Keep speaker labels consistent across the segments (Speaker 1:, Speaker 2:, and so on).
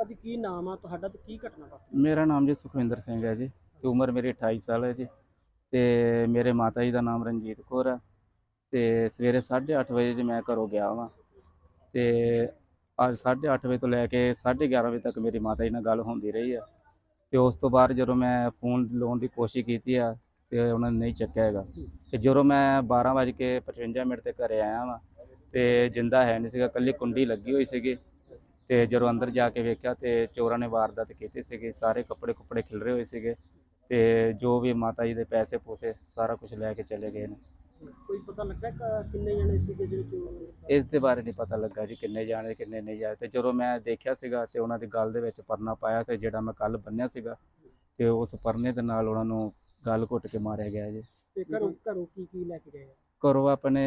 Speaker 1: ਭਾਜੀ ਕੀ ਨਾਮ ਆ ਤੁਹਾਡਾ ਤੇ ਕੀ ਘਟਨਾ ਵਾਪਰੀ?
Speaker 2: ਮੇਰਾ ਨਾਮ ਜੀ ਸੁਖਵਿੰਦਰ ਸਿੰਘ ਹੈ ਜੀ ਤੇ ਉਮਰ ਮੇਰੀ 28 ਸਾਲ ਹੈ ਜੀ। ਤੇ ਮੇਰੇ ਮਾਤਾ ਜੀ ਦਾ ਨਾਮ ਰਣਜੀਤ ਕੌਰ ਹੈ। ਤੇ ਸਵੇਰੇ 8:30 ਵਜੇ ਜੀ ਮੈਂ ਘਰੋਂ ਗਿਆ ਵਾਂ ਤੇ ਅੱਜ 8:30 ਵਜੇ ਤੋਂ ਲੈ ਕੇ 11:30 ਵਜੇ ਤੱਕ ਮੇਰੀ ਮਾਤਾ ਜੀ ਨਾਲ ਗੱਲ ਹੁੰਦੀ ਰਹੀ ਹੈ। ਤੇ ਉਸ ਤੋਂ ਬਾਅਦ ਜਦੋਂ ਮੈਂ ਫੋਨ ਲਾਉਣ ਦੀ ਕੋਸ਼ਿਸ਼ ਕੀਤੀ ਆ ਤੇ ਉਹਨਾਂ ਨੇ ਨਹੀਂ ਚੱਕਿਆ ਹੈਗਾ। ਤੇ ਜਦੋਂ ਮੈਂ 12:55 ਤੇ ਘਰੇ ਆਇਆ ਵਾਂ ਤੇ ਜਿੰਦਾ ਹੈ ਨਹੀਂ ਸੀਗਾ, ਇਕੱਲੀ ਕੁੰਡੀ ਲੱਗੀ ਹੋਈ ਸੀਗੀ। ਤੇ ਜਦੋਂ ਅੰਦਰ ਜਾ ਕੇ ਵੇਖਿਆ ਤੇ ਚੋਰਾਂ ਨੇ ਵਾਰਦਾਤ ਕੀਤੀ ਸੀਗੀ। ਸਾਰੇ ਕੱਪੜੇ ਕੁੱਪੜੇ ਖਿਲਰੇ ਹੋਏ ਸੀਗੇ ਤੇ ਜੋ ਵੀ ਮਾਤਾ ਜੀ ਦੇ ਪੈਸੇ ਪੂਸੇ ਸਾਰਾ ਕੁਝ ਲੈ ਕੇ ਚਲੇ ਗਏ ਨੇ।
Speaker 1: ਕੋਈ ਪਤਾ ਲੱਗਾ ਕਿੰਨੇ ਜਣੇ ਸੀਗੇ ਜਿਹੜੇ ਚੋਰ?
Speaker 2: ਇਸ ਦੇ ਬਾਰੇ ਨਹੀਂ ਪਤਾ ਲੱਗਾ ਜੀ ਕਿੰਨੇ ਜਾਣੇ ਕਿੰਨੇ ਨਹੀਂ ਜਾਏ। ਤੇ ਜਦੋਂ ਮੈਂ ਦੇਖਿਆ ਸੀਗਾ ਤੇ ਉਹਨਾਂ ਦੀ ਗਲ ਦੇ ਵਿੱਚ ਪਰਨਾ ਪਾਇਆ ਤੇ ਜਿਹੜਾ ਮੈਂ ਕੱਲ ਬੰਨਿਆ ਸੀਗਾ ਤੇ ਉਸ ਪਰਨੇ ਦੇ ਨਾਲ ਉਹਨਾਂ ਨੂੰ ਗਲ ਘੁੱਟ ਕੇ ਮਾਰਿਆ ਗਿਆ ਜੀ।
Speaker 1: ਤੇ ਘਰੋਂ ਕੀ ਲੈ ਕੇ ਗਏ?
Speaker 2: ਘਰੋਂ ਆਪਣੇ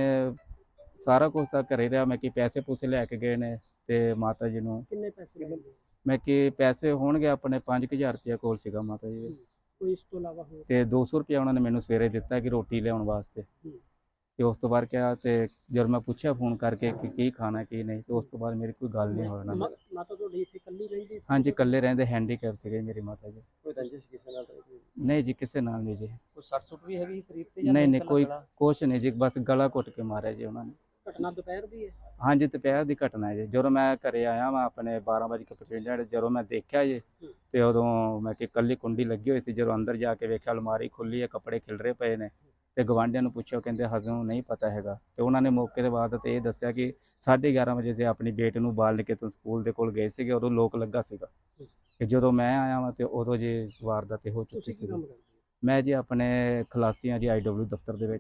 Speaker 2: ਸਾਰਾ ਕੁਝ ਤਾਂ ਘਰੇ ਰਿਹਾ। ਮੈਂ ਕਿ ਪੈਸੇ ਪੂਸੇ ਲੈ ਕੇ ਗਏ ਨੇ ਤੇ ਮਾਤਾ ਜੀ ਨੂੰ
Speaker 1: ਕਿੰਨੇ ਪੈਸੇ ਲੈ ਗਏ?
Speaker 2: ਮੈਂ ਕਿ ਪੈਸੇ ਹੋਣਗੇ ਆਪਣੇ 5000 ਰੁਪਇਆ ਕੋਲ ਸੀਗਾ ਮਾਤਾ ਜੀ ਦੇ।
Speaker 1: ਕੋਈ ਇਸ ਤੋਂ ਇਲਾਵਾ ਹੋਰ?
Speaker 2: ਤੇ 200 ਰੁਪਇਆ ਉਹਨਾਂ ਨੇ ਮੈਨੂੰ ਸਵੇਰੇ ਦਿੱਤਾ ਕਿ ਰੋਟੀ ਲਿਆਉਣ ਵਾਸਤੇ। ਤੇ ਉਸ ਤੋਂ ਬਾਅਦ ਕਿਹਾ ਤੇ ਜਦ ਮੈਂ ਪੁੱਛਿਆ ਫੋਨ ਕਰਕੇ ਕਿ ਕੀ ਖਾਣਾ ਕੀ ਨਹੀਂ ਤੇ ਉਸ ਤੋਂ ਬਾਅਦ ਮੇਰੀ ਕੋਈ ਗੱਲ ਨਹੀਂ ਹੋਈ।
Speaker 1: ਮਾਤਾ ਤੁਹਾਡੀ ਇੱਥੇ ਇਕੱਲੀ ਰਹਿੰਦੀ ਸੀ?
Speaker 2: ਹਾਂਜੀ, ਇਕੱਲੇ ਰਹਿੰਦੇ, ਹੈਂਡੀਕੈਪ ਸੀਗੇ ਮੇਰੀ ਮਾਤਾ ਜੀ।
Speaker 1: ਕੋਈ ਰੰਜਿਸ਼ ਕਿਸੇ ਨਾਲ?
Speaker 2: ਨਹੀਂ ਜੀ, ਕਿਸੇ ਨਾਲ ਨਹੀਂ ਜੀ।
Speaker 1: ਕੋਈ ਸੱਟ ਸੁੱਟ ਵੀ ਹੈਗੀ ਸਰੀਰ ਤੇ?
Speaker 2: ਨਹੀਂ ਕੋਈ ਕੁਛ ਨਹੀਂ ਜੀ, ਬਸ ਗਲਾ ਘੁੱਟ ਕੇ ਮਾਰਿਆ ਜੀ ਉਹਨਾਂ ਨੇ।
Speaker 1: ਘਟਨਾ ਦੁਪਹਿਰ ਦੀ ਹੈ?
Speaker 2: ਹਾਂਜੀ, ਦੁਪਹਿਰ ਦੀ ਘਟਨਾ ਹੈ ਜੀ। ਜਦੋਂ ਮੈਂ ਘਰੇ ਆਇਆ ਵਾਂ ਆਪਣੇ 12:55 ਜਦੋਂ ਮੈਂ ਦੇਖਿਆ ਜੀ ਤੇ ਉਦੋਂ ਮੈਂ ਕਿ ਇਕੱਲੀ ਕੁੰਡੀ ਲੱਗੀ ਹੋਈ ਸੀ। ਜਦੋਂ ਅੰਦਰ ਜਾ ਕੇ ਵੇਖਿਆ ਅਲਮਾਰੀ ਖੁੱਲੀ ਹੈ, ਕੱਪੜੇ ਖਿਲਰੇ ਪਏ ਨੇ। ਤੇ ਗਵਾਂਢੀਆਂ ਨੂੰ ਪੁੱਛਿਆ, ਕਹਿੰਦੇ ਹਜੇ ਨਹੀਂ ਪਤਾ ਹੈਗਾ। ਤੇ ਉਹਨਾਂ ਨੇ ਮੌਕੇ ਦੇ ਬਾਅਦ ਤੇ ਇਹ ਦੱਸਿਆ ਕਿ 11:30 ਵਜੇ ਤੇ ਆਪਣੀ ਬੇਟੀ ਨੂੰ ਬਾਲ ਨਿਕੇਤਨ ਸਕੂਲ ਦੇ ਕੋਲ ਗਏ ਸੀਗੇ, ਉਦੋਂ ਲੋਕ ਲੱਗਾ ਸੀਗਾ। ਤੇ ਜਦੋਂ ਮੈਂ ਆਇਆ ਵਾਂ ਤੇ ਉਦੋਂ ਜੀ ਵਾਰਦਾਤ ਹੋ ਚੁੱਕੀ ਸੀ। ਮੈਂ ਜੀ ਆਪਣੇ ਖਲਾਸੀਆਂ ਜੀ IW ਦਫ਼ਤਰ ਦੇ ਵਿੱਚ।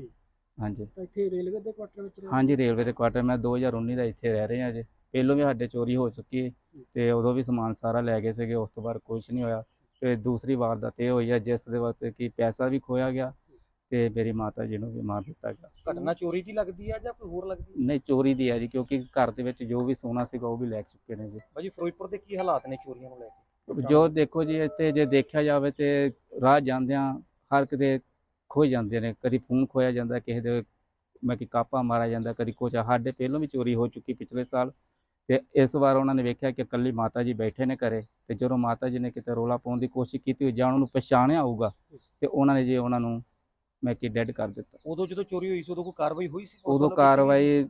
Speaker 2: ਹਾਂਜੀ,
Speaker 1: ਇੱਥੇ ਰੇਲਵੇ ਦੇ ਕੁਆਟਰ ਵਿੱਚ?
Speaker 2: ਹਾਂਜੀ, ਰੇਲਵੇ ਦੇ ਕੁਆਟਰ। ਮੈਂ 2019 ਦਾ ਇੱਥੇ ਰਹਿ ਰਿਹਾ ਜੀ। ਪਹਿਲੋਂ ਵੀ ਸਾਡੇ ਚੋਰੀ ਹੋ ਚੁੱਕੀ ਤੇ ਉਦੋਂ ਵੀ ਸਮਾਨ ਸਾਰਾ ਲੈ ਗਏ ਸੀਗੇ। ਉਸ ਤੋਂ ਬਾਅਦ ਕੁਝ ਨਹੀਂ ਹੋਇਆ। ਤੇ ਦੂਸਰੀ ਵਾਰਦਾਤ ਇਹ ਹੋਈ ਹੈ ਜਿਸ ਦੇ ਵਾਸਤੇ ਕਿ ਪੈਸਾ ਵੀ ਖੋਇਆ ਗਿਆ ਤੇ ਮੇਰੀ ਮਾਤਾ ਜੀ ਨੂੰ ਵੀ ਮਾਰ ਦਿੱਤਾ ਗਿਆ।
Speaker 1: ਘਟਨਾ ਚੋਰੀ ਦੀ ਲੱਗਦੀ ਹੈ ਜਾਂ ਕੋਈ ਹੋਰ ਲੱਗਦੀ?
Speaker 2: ਨਹੀਂ, ਚੋਰੀ ਦੀ ਹੈ ਜੀ, ਕਿਉਂਕਿ ਘਰ ਦੇ ਵਿੱਚ ਜੋ ਵੀ ਸੋਨਾ ਸੀਗਾ ਉਹ ਵੀ ਲੈ ਚੁੱਕੇ ਨੇ ਜੀ।
Speaker 1: ਭਾਜੀ ਫਿਰੋਜ਼ਪੁਰ ਦੇ ਕੀ ਹਾਲਾਤ ਨੇ ਚੋਰੀਆਂ ਨੂੰ ਲੈ ਕੇ?
Speaker 2: ਜੋ ਦੇਖੋ ਜੀ, ਇੱਥੇ ਜੇ ਦੇਖਿਆ ਜਾਵੇ ਤੇ ਰਾਹ ਜਾਂਦਿਆਂ ਹਰ ਕਿਤੇ ਖੋਹ ਜਾਂਦੇ ਨੇ। ਕਦੀ ਫੋਨ ਖੋਇਆ ਜਾਂਦਾ, ਕਿਸੇ ਦੇ ਮੈਂ ਕਿ ਕਾਪਾ ਮਾਰਿਆ ਜਾਂਦਾ, ਕਦੀ ਕੁਛ। ਸਾਡੇ ਪਹਿਲੋਂ ਵੀ ਚੋਰੀ ਹੋ ਚੁੱਕੀ ਪਿਛਲੇ ਸਾਲ। ਤੇ ਇਸ ਵਾਰ ਉਹਨਾਂ ਨੇ ਵੇਖਿਆ ਕਿ ਇਕੱਲੀ ਮਾਤਾ ਜੀ ਬੈਠੇ ਨੇ ਘਰੇ ਤੇ ਜਦੋਂ ਮਾਤਾ ਜੀ ਨੇ ਕਿਤੇ ਰੌਲਾ ਪਾਉਣ ਦੀ ਕੋਸ਼ਿਸ਼ ਕੀਤੀ ਜਾਂ ਉਹਨਾਂ ਨੂੰ ਪਛਾਣਿਆ ਹੋਊਗਾ ਤੇ ਉਹਨਾਂ ਨੇ ਜੀ ਉਹਨਾਂ ਨੂੰ ਮੈਂ ਕਿ ਡੈਡ ਕਰ ਦਿੱਤਾ।
Speaker 1: ਉਦੋਂ ਜਦੋਂ ਚੋਰੀ ਹੋਈ ਸੀ ਉਦੋਂ ਕੋਈ ਕਾਰਵਾਈ ਹੋਈ ਸੀ?
Speaker 2: ਉਦੋਂ ਕਾਰਵਾਈ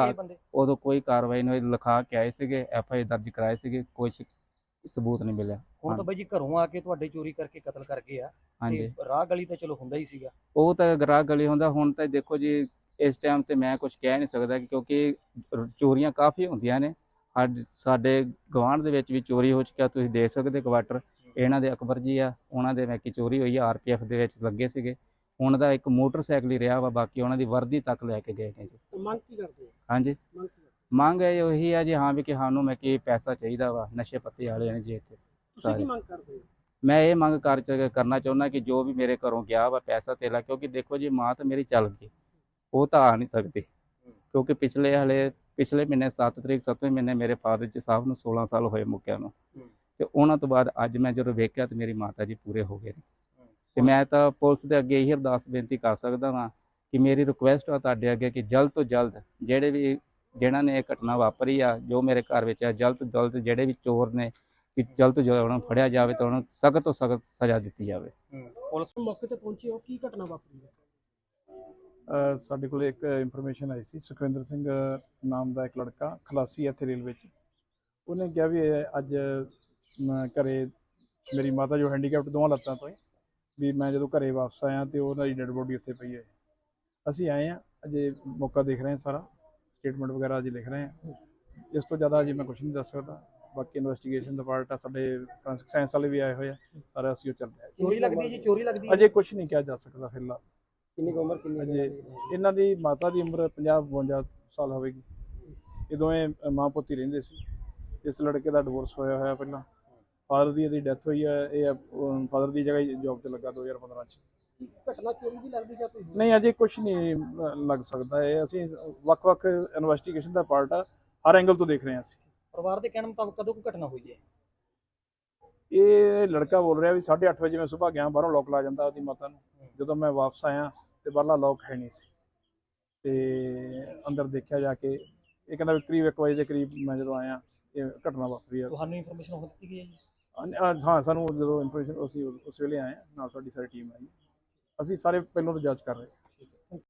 Speaker 2: ਉਦੋਂ ਕੋਈ ਕਾਰਵਾਈ ਨਹੀਂ ਹੋਈ। ਲਿਖਾ ਕੇ ਆਏ ਸੀਗੇ, FI ਦਰਜ ਕਰਾਏ ਸੀਗੇ, ਕੋਈ ਸਬੂਤ ਨਹੀਂ ਮਿਲਿਆ।
Speaker 1: ਹੁਣ ਤਾਂ ਬਾਈ ਜੀ ਘਰੋਂ ਆ ਕੇ ਤੁਹਾਡੇ ਚੋਰੀ ਕਰਕੇ ਕਤਲ ਕਰ ਗਏ ਆ।
Speaker 2: ਹਾਂਜੀ,
Speaker 1: ਰਾਹ ਗਲੀ ਤਾਂ ਚਲੋ ਹੁੰਦਾ ਹੀ ਸੀਗਾ।
Speaker 2: ਉਹ ਤਾਂ ਰਾਹ ਗਲੀ ਹੁੰਦਾ। ਹੁਣ ਤਾਂ ਦੇਖੋ ਜੀ ਇਸ ਟਾਈਮ ਤੇ ਮੈਂ ਕੁਝ ਕਹਿ ਨਹੀਂ ਸਕਦਾ ਕਿਉਂਕਿ ਚੋਰੀਆਂ ਕਾਫੀ ਹੁੰਦੀਆਂ ਨੇ। ਸਾਡੇ ਗਵਾਂਢ ਦੇ ਵਿੱਚ ਵੀ ਚੋਰੀ ਹੋ ਚੁੱਕਿਆ, ਤੁਸੀਂ ਦੇਖ ਸਕਦੇ ਕੁਆਟਰ ਇਹਨਾਂ ਦੇ ਅਕਬਰ ਜੀ ਆ, ਉਹਨਾਂ ਦੇ ਮੈਂ ਕਿ ਚੋਰੀ ਹੋਈ ਆ। RPF ਦੇ ਵਿੱਚ ਲੱਗੇ ਸੀਗੇ। ਉਹਨਾਂ ਦਾ ਇੱਕ ਮੋਟਰਸਾਈਕਲ ਹੀ ਰਿਹਾ ਵਾ, ਬਾਕੀ ਉਹਨਾਂ ਦੀ ਵਰਦੀ ਤੱਕ ਲੈ ਕੇ ਗਏ ਨੇ ਜੀ।
Speaker 1: ਮੰਗ ਕੀ ਕਰਦੇ?
Speaker 2: ਹਾਂਜੀ, ਮੰਗ ਹੈ ਉਹੀ ਆ ਜੀ, ਹਾਂ ਵੀ ਕਿ ਸਾਨੂੰ ਮੈਂ ਕਿ ਪੈਸਾ ਚਾਹੀਦਾ ਵਾ। ਨਸ਼ੇ ਪੱਤੇ ਵਾਲੇ ਨੇ ਜੀ ਇੱਥੇ
Speaker 1: ਸਾਰੇ। ਮੰਗ ਕਰਦੇ?
Speaker 2: ਮੈਂ ਇਹ ਮੰਗ ਕਰਨਾ ਚਾਹੁੰਦਾ ਕਿ ਜੋ ਵੀ ਮੇਰੇ ਘਰੋਂ ਗਿਆ ਵਾ ਪੈਸਾ ਧੇਲਾ, ਕਿਉਂਕਿ ਦੇਖੋ ਜੀ ਮਾਂ ਤਾਂ ਮੇਰੀ ਚੱਲ ਗਈ, ਉਹ ਤਾਂ ਆ ਨਹੀਂ ਸਕਦੀ ਕਿਉਂਕਿ ਪਿਛਲੇ ਮਹੀਨੇ 7 ਤਰੀਕ 7ਵੇਂ ਮਹੀਨੇ ਮੇਰੇ ਫਾਦਰ ਜੀ ਸਾਹਿਬ ਨੂੰ 16 ਸਾਲ ਹੋਏ ਮੁੱਕਿਆ ਨੂੰ। ਤੇ ਉਹਨਾਂ ਤੋਂ ਬਾਅਦ ਅੱਜ ਮੈਂ ਜਦੋਂ ਵੇਖਿਆ ਤੇ ਮੇਰੀ ਮਾਤਾ ਜੀ ਪੂਰੇ ਹੋ ਗਏ ਨੇ। ਤੇ ਮੈਂ ਤਾਂ ਪੁਲਿਸ ਦੇ ਅੱਗੇ ਇਹੀ ਅਰਦਾਸ ਬੇਨਤੀ ਕਰ ਸਕਦਾ ਵਾਂ ਕਿ ਮੇਰੀ ਰਿਕੁਐਸਟ ਆ ਤੁਹਾਡੇ ਅੱਗੇ ਕਿ ਜਲਦ ਤੋਂ ਜਲਦ ਜਿਹਨਾਂ ਨੇ ਇਹ ਘਟਨਾ ਵਾਪਰੀ ਆ ਜੋ ਮੇਰੇ ਘਰ ਵਿੱਚ ਆ, ਜਲਦ ਤੋਂ ਜਲਦ ਜਿਹੜੇ ਵੀ ਚੋਰ ਨੇ ਕਿ ਜਲਦ ਤੋਂ ਜਲਦ ਉਹਨਾਂ ਨੂੰ ਫੜਿਆ ਜਾਵੇ ਤੇ ਉਹਨਾਂ ਨੂੰ ਸਖਤ ਤੋਂ ਸਖਤ ਸਜ਼ਾ ਦਿੱਤੀ ਜਾਵੇ।
Speaker 1: ਪੁਲਿਸ ਮੌਕੇ ਤੇ ਪਹੁੰਚੀ, ਉਹ ਕੀ ਘਟਨਾ ਵਾਪਰੀ ਹੈ?
Speaker 3: ਸਾਡੇ ਕੋਲ ਇੱਕ ਇਨਫੋਰਮੇਸ਼ਨ ਆਈ ਸੀ। ਸੁਖਵਿੰਦਰ ਸਿੰਘ ਨਾਮ ਦਾ ਇੱਕ ਲੜਕਾ ਖਲਾਸੀ ਇੱਥੇ ਰੇਲਵੇ 'ਚ, ਉਹਨੇ ਕਿਹਾ ਵੀ ਅੱਜ ਘਰੇ ਮੇਰੀ ਮਾਤਾ ਜੋ ਹੈਂਡੀਕੈਪਟ ਦੋਵਾਂ ਲੱਤਾਂ ਤੋਂ ਵੀ ਮੈਂ ਜਦੋਂ ਘਰੇ ਵਾਪਸ ਆਇਆ ਤੇ ਉਹਨਾਂ ਦੀ ਡੈਡ ਬੋਡੀ ਉੱਥੇ ਪਈ ਹੈ। ਅਸੀਂ ਆਏ ਹਾਂ, ਅਜੇ ਮੌਕਾ ਦੇਖ ਰਹੇ ਹਾਂ, ਸਾਰਾ ਸਟੇਟਮੈਂਟ ਵਗੈਰਾ ਅਜੇ ਲਿਖ ਰਹੇ ਹਾਂ। ਇਸ ਤੋਂ ਜ਼ਿਆਦਾ ਅਜੇ ਮੈਂ ਕੁਛ ਨਹੀਂ ਦੱਸ ਸਕਦਾ। ਬਾਕੀ ਇਨਵੈਸਟੀਗੇਸ਼ਨ ਦਾ ਪਾਰਟ ਆ, ਸਾਡੇ ਫੋਰੈਂਸਿਕ ਸਾਇੰਸ ਵਾਲੇ ਵੀ ਆਏ ਹੋਏ ਆ, ਸਾਰਾ ਅਸੀਂ ਉਹ ਚੱਲ ਰਿਹਾ।
Speaker 1: ਚੋਰੀ ਲੱਗਦੀ ਜੀ? ਚੋਰੀ ਲੱਗਦੀ
Speaker 3: ਅਜੇ ਕੁਛ ਨਹੀਂ ਕਿਹਾ ਜਾ ਸਕਦਾ ਫਿਲਹਾਲ।
Speaker 1: ਕਿੰਨੀ ਉਮਰ ਕਿੰਨੀ?
Speaker 3: ਅਜੇ ਇਹਨਾਂ ਦੀ ਮਾਤਾ ਦੀ ਉਮਰ 50-52 ਸਾਲ ਹੋਵੇਗੀ। ਇਹ ਦੋਵੇਂ ਮਾਂ ਪੁੱਤ ਹੀ ਰਹਿੰਦੇ ਸੀ। ਇਸ ਲੜਕੇ ਦਾ ਡਿਵੋਰਸ ਹੋਇਆ ਪਹਿਲਾਂ। ਫਾਦਰ ਦੀ ਇਹਦੀ ਡੈਥ ਹੋਈ ਹੈ। ਇਹ ਫਾਦਰ ਦੀ ਜਗ੍ਹਾ ਜੌਬ ਤੇ ਲੱਗਾ 2015 'ਚ।
Speaker 1: ਘਟਨਾ ਚੋਰੀ ਦੀ ਲੱਗਦੀ ਜਾਂ ਕੋਈ?
Speaker 3: ਨਹੀਂ, ਅਜੇ ਕੁਛ ਨਹੀਂ ਲੱਗ ਸਕਦਾ। ਇਹ ਅਸੀਂ ਵੱਖ-ਵੱਖ ਇਨਵੈਸਟੀਗੇਸ਼ਨ ਦਾ ਪਾਰਟ ਆ, ਹਰ ਐਂਗਲ ਤੋਂ ਦੇਖ ਰਹੇ ਹਾਂ ਅਸੀਂ।
Speaker 1: ਪਰਿਵਾਰ ਦੇ ਕਹਿਣ ਮੁਤਾਬਕ ਕਦੋਂ ਕੋਈ ਘਟਨਾ ਹੋਈ ਹੈ?
Speaker 3: ਇਹ ਲੜਕਾ ਬੋਲ ਰਿਹਾ ਵੀ 8:30 ਵਜੇ ਮੈਂ ਸੁਬਾਹ ਗਿਆ, ਬਾਹਰੋਂ ਲੋਕ ਲਾ ਜਾਂਦਾ ਉਹਦੀ ਮਾਤਾ ਨੂੰ। ਜਦੋਂ ਮੈਂ ਵਾਪਸ ਆਇਆ ਤੇ ਬਾਹਰਲਾ ਲੋਕ ਹੈ ਨਹੀਂ ਸੀ ਤੇ ਅੰਦਰ ਦੇਖਿਆ ਜਾ ਕੇ। ਇਹ ਕਹਿੰਦਾ ਵੀ ਕਰੀਬ 1 ਵਜੇ ਦੇ ਕਰੀਬ ਮੈਂ ਜਦੋਂ ਆਇਆ ਇਹ ਘਟਨਾ ਵਾਪਰੀ ਹੈ।
Speaker 1: ਤੁਹਾਨੂੰ ਇਨਫੋਰਮੇਸ਼ਨ ਹੋ ਦਿੱਤੀ ਗਈ ਹੈ ਜੀ?
Speaker 3: ਹਾਂ, ਸਾਨੂੰ ਜਦੋਂ ਇਨਫੋਰਮੇਸ਼ਨ ਅਸੀਂ ਉਸ ਵੇਲੇ ਆਏ ਹਾਂ, ਨਾਲ ਸਾਡੀ ਸਾਰੀ ਟੀਮ ਆਈ। ਅਸੀਂ ਸਾਰੇ ਪਹਿਲਾਂ ਤੋਂ ਜਾਂਚ ਕਰ ਰਹੇ ਹਾਂ।